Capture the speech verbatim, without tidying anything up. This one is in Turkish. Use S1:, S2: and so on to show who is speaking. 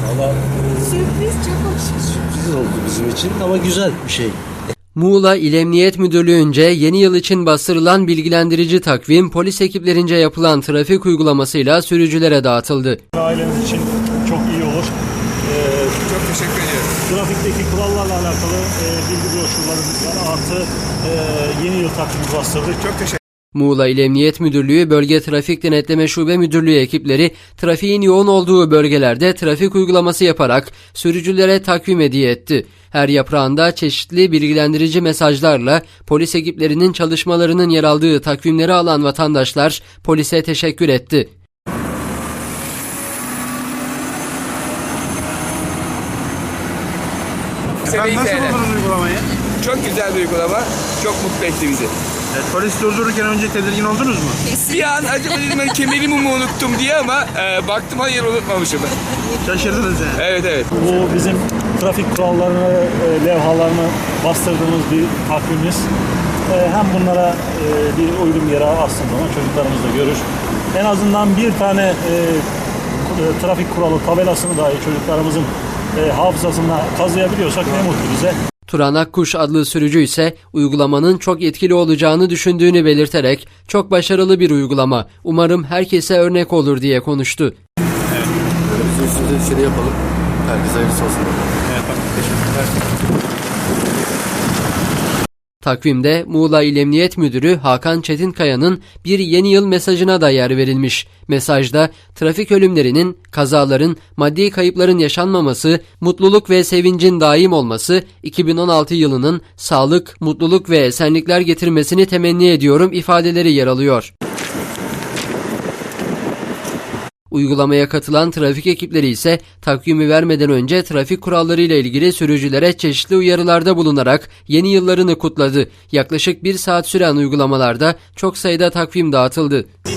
S1: Valla
S2: Sürpriz, çok hoş.
S1: sürpriz oldu bizim için ama güzel bir şey.
S3: Muğla İl Emniyet Müdürlüğü'nce yeni yıl için bastırılan bilgilendirici takvim polis ekiplerince yapılan trafik uygulamasıyla sürücülere dağıtıldı.
S4: Aileniz için çok iyi olur. Ee,
S5: Çok teşekkür ederim.
S4: trafikteki kurallarla alakalı e, bilgi broşürlerimiz var. Artı e, yeni yıl takvimi bastırdık.
S5: Çok teşekkür
S3: Muğla İl Emniyet Müdürlüğü Bölge Trafik Denetleme Şube Müdürlüğü ekipleri trafiğin yoğun olduğu bölgelerde trafik uygulaması yaparak sürücülere takvim hediye etti. Her yaprağında çeşitli bilgilendirici mesajlarla polis ekiplerinin çalışmalarının yer aldığı takvimleri alan vatandaşlar polise teşekkür etti.
S5: ederim.
S6: Nasıl buldunuz uygulamayı?
S5: Çok güzel bir uygulama. Çok mutlu etti bizi.
S6: Evet, polis durdururken önce tedirgin oldunuz mu?
S5: Bir an acaba dedim ben kemerimi mi unuttum diye ama e, baktım hayır unutmamışım.
S6: Şaşırdınız yani.
S5: Evet evet.
S4: Bu bizim trafik kurallarını, e, levhalarını bastırdığımız bir takvimimiz. E, hem bunlara e, bir uygun yere astığımız zaman çocuklarımız da görür. En azından bir tane e, e, trafik kuralı tabelasını dahi çocuklarımızın e, hafızasına kazıyabiliyorsak ne mutlu bize.
S3: Turan Akkuş adlı sürücü ise uygulamanın çok etkili olacağını düşündüğünü belirterek çok başarılı bir uygulama, umarım herkese örnek olur diye konuştu.
S1: Evet. Biz üstümüze düşeni yapalım. Herkese hayırlısı olsun.
S6: Evet, bak, teşekkürler.
S3: Takvimde Muğla İl Emniyet Müdürü Hakan Çetinkaya'nın bir yeni yıl mesajına da yer verilmiş. Mesajda trafik ölümlerinin, kazaların, maddi kayıpların yaşanmaması, mutluluk ve sevincin daim olması, iki bin on altı yılının sağlık, mutluluk ve esenlikler getirmesini temenni ediyorum ifadeleri yer alıyor. Uygulamaya katılan trafik ekipleri ise takvimi vermeden önce trafik kuralları ile ilgili sürücülere çeşitli uyarılarda bulunarak yeni yıllarını kutladı. Yaklaşık bir saat süren uygulamalarda çok sayıda takvim dağıtıldı.